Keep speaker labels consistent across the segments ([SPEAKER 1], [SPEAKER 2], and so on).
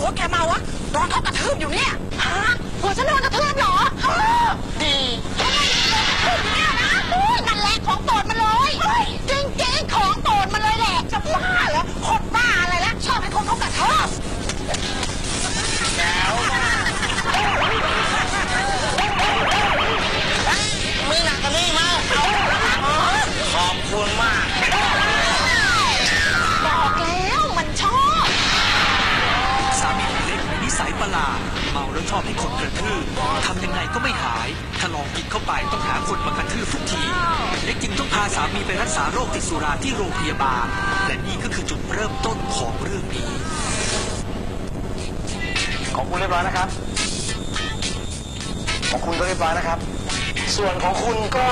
[SPEAKER 1] ผัวแกเมาวะโดนเขากระทืบอยู่เนี่ยฮะผัวฉันโดนกระทืบเหรอดีเนี่ยนะนั่นแหละของโปรดมันเลยจริงๆของโปรดมันเลยแหละจะบ้าเหรอคนบ้าอะไรละชอบให้คนเขากระทืบ
[SPEAKER 2] มือหนักกว่านี้มาขอบคุณมาก
[SPEAKER 1] บอกแล้วมันชอบ
[SPEAKER 3] สามีเล็กมีนิสัยประหลาดเมาแล้วชอบให้คนกระทืบทำยังไงก็ไม่หายถ้าลองกินเข้าไปต้องหาคนมากระทืบทุกทีเล็กจึงต้องพาสามีไปรักษาโรคติดสุราที่โรงพยาบาลและนี่ก็คือจุดเริ่มต้นของเรื่องนี้
[SPEAKER 2] ของคุณเรียบร้อยนะครับของคุณก็เรียบร้อยนะครับส่วนของคุณก็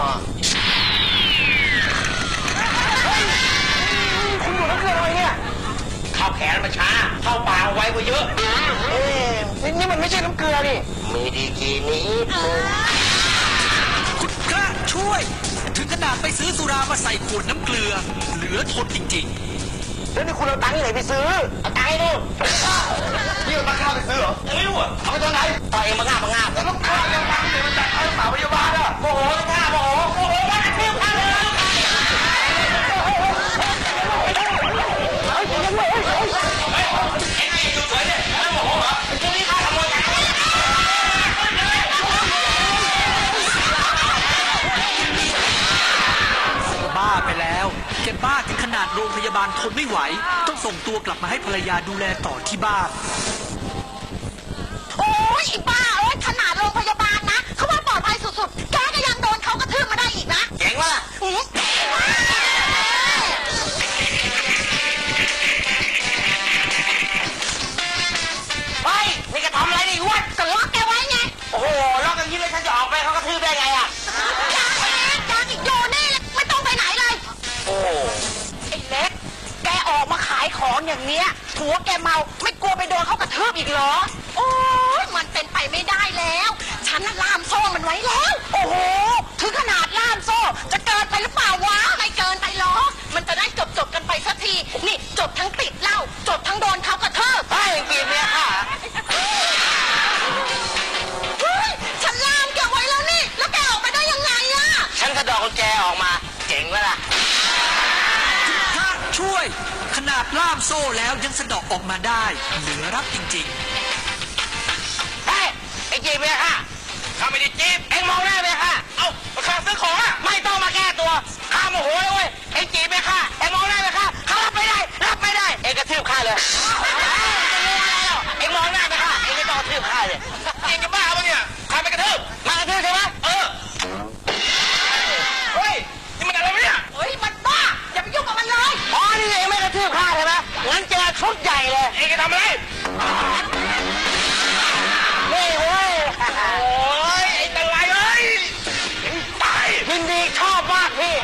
[SPEAKER 2] คุณอยู่น้ำเกลืออะไรเนี่ยเข้าแขนมาช้าเข้าปากไวกว่าเยอะนี่มันไม่ใช่น้ำเกลือนี่มีดีกีนี้
[SPEAKER 3] คุณพระช่วยถึงขนาดไปซื้อสุรามาใส่ขวดน้ำเกลือเหลือทนจริง
[SPEAKER 2] ๆแล้วนี่คุณเอาตังค์ที่ไหนไปซื้อเอาตังค์ให้ดูนี่มันมาฆ่าไปซื้อเหรอไม่รู้อ่ะเอาไปตอนไหนต่อเองมาฆ่าแล้วต้องฆ่าแล้วตังค์เนี่ยมันจัดให้สาวพยาบาลอ่ะโมโหจะฆ่าโมโหมาเที่ยวฆ่าเลย
[SPEAKER 3] บ้าไปแล้วแกบ้าถึงขนาดโรงพยาบาลทนไม่ไหวต้องส่งตัวกลับมาให้ภรรยาดูแลต่อที่บ้าน
[SPEAKER 1] โอ้ยบ้าขนาดโรงพยาบาลนะเขาว่าปลอดภัยสุดๆแกก็ยังโดนเขากระทืบมาได้อีกนะ
[SPEAKER 2] เก่งวะล่ะเฮ้ยนี่แกทำอะไรนี่วะ
[SPEAKER 1] ก็ล็อกแกไว้ไง
[SPEAKER 2] โอ้โหล็อกอย่างนี้เลยฉันจะออกไปเขากระทืบได้ไงอ่ะ
[SPEAKER 1] ยังอีกอยู่นี่ไม่ต้องไปไหนเลย
[SPEAKER 2] โอ้
[SPEAKER 1] ไอ้เล็กแกออกมาขายของอย่างเนี้ยผัวแกเมาไม่กลัวไปโดนเขากระทืบอีกเหรอโอ้ยมันเป็นไปไม่ได้แล้วฉันน่ะล่ามโซ่มันไว้แล้วโอ้โหถึงขนาดล่ามโซ่จะเกินไปหรือเปล่าวะไม่เกินไปหรอกมันจะได้จบกันไปสักทีนี่จบทั้งติดเหล้าจบทั้งโดนเขากระทืบ
[SPEAKER 2] ไอ้กินเนี่ยค่ะ
[SPEAKER 1] ฉันล่ามแกไว้แล้วนี่แล้วแกออกมาได้ยังไงอะ
[SPEAKER 2] ฉันกระดอกกุญแจออกมาเจ๋งวะล่ะ
[SPEAKER 3] พระช่วยขนาดล่ามโซ่แล้วยังสะดอกออกมาได้เหลือรับจริง
[SPEAKER 2] ๆเฮ้ยไอ้จีบเนี่ยค่ะข้าไม่ได้จีบเอ็งมองหน้าเลยค่ะเอ้ามาข้าซื้อของอะไม่ต้องมาแก้ตัวข้าโมโหเลยเว้ยเอ็งจีบเนี่ยค่ะเอ็งมองหน้าเลยค่ะข้ารับไม่ได้เอ็งกระทืบข้าเลยเอ็งมองหน้าเลยค่ะเอ็งไม่ต้องกระทืบข้าเลยเอ็งจะบ้าปะเนี่ยข้าไม่กระทืบมากระทืบใช่ไหมเฮ้ยนี่มันอะไรวะเนี่ย
[SPEAKER 1] เฮ้ยมันบ้าอย่าไปยุ่งกับมันเลย
[SPEAKER 2] อ๋อนี่เองไม่กระทืบข้าใช่ไหมงั้นเจอชุดใหญ่เลยเองจะทำอะไรนี่เว้ยโอ้ยไอ้ตะไลเอ้ยตายยินดีชอบมากพี่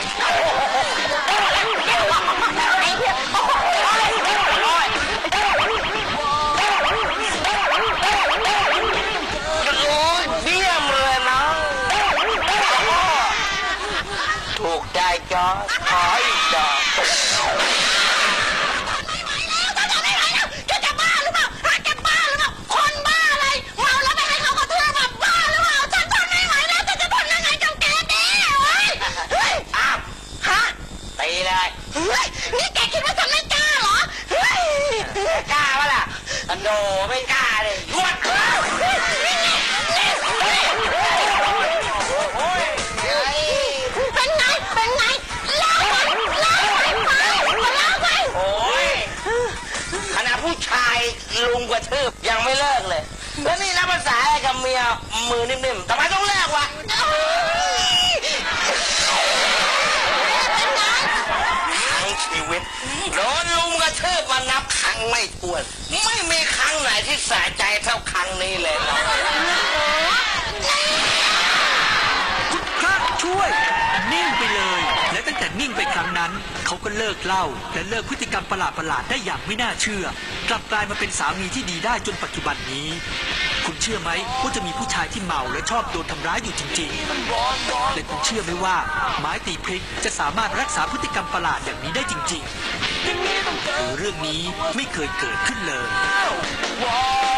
[SPEAKER 2] ถูกใจจอขออีกจอ
[SPEAKER 1] ไม่ไหวแล้วแกจะบ้าหรือเปล่าแกบ้าหรือเปล่าคนบ้าอะไรเมาแล้วไปให้เขากระทืบแบบบ้าหรือเปล่าฉันทนไม่ไหวแล้วฉันจะทนยังไงกับแกดีเฮ้ย
[SPEAKER 2] อ้าว
[SPEAKER 1] ฮะ
[SPEAKER 2] ตีเลย
[SPEAKER 1] เฮ้ยนี่แกคิดว่าฉันไม่กล้าเหรอเฮ้ย
[SPEAKER 2] กล้าปะล่ะโดไม่กล้าเลยหวด
[SPEAKER 1] เป็นไงล้างไป
[SPEAKER 2] โอ้ยขณะผู้ชายลุงกระทืบยังไม่เลิกเลยแล้วนี่นับภาษาอะไรกับเมียมือนิ่มๆทำไมต้องเลิกวะทั้งชีวิตโดนลุงกระทืบมานับครั้งไม่ถ้วนไม่มีครั้งไหนที่สะใจเท่าครั้งนี้เลย
[SPEAKER 3] คุณพระช่วยนิ่งไปเลยและตั้งแต่นิ่งไปครั้งนั้นเขาก็เลิกเหล้าและเลิกพฤติกรรมประหลาดได้อย่างไม่น่าเชื่อกลับกลายมาเป็นสามีที่ดีได้จนปัจจุบันนี้ คุณเชื่อไหมว่าจะมีผู้ชายที่เมาและชอบโดนทำร้ายอยู่จริงๆและคุณเชื่อไหมว่าไม้ตีพริกจะสามารถรักษาพฤติกรรมประหลาดอย่างนี้ได้จริงๆหรือเรื่องนี้ไม่เคยเกิดขึ้นเลย
[SPEAKER 2] ว้าว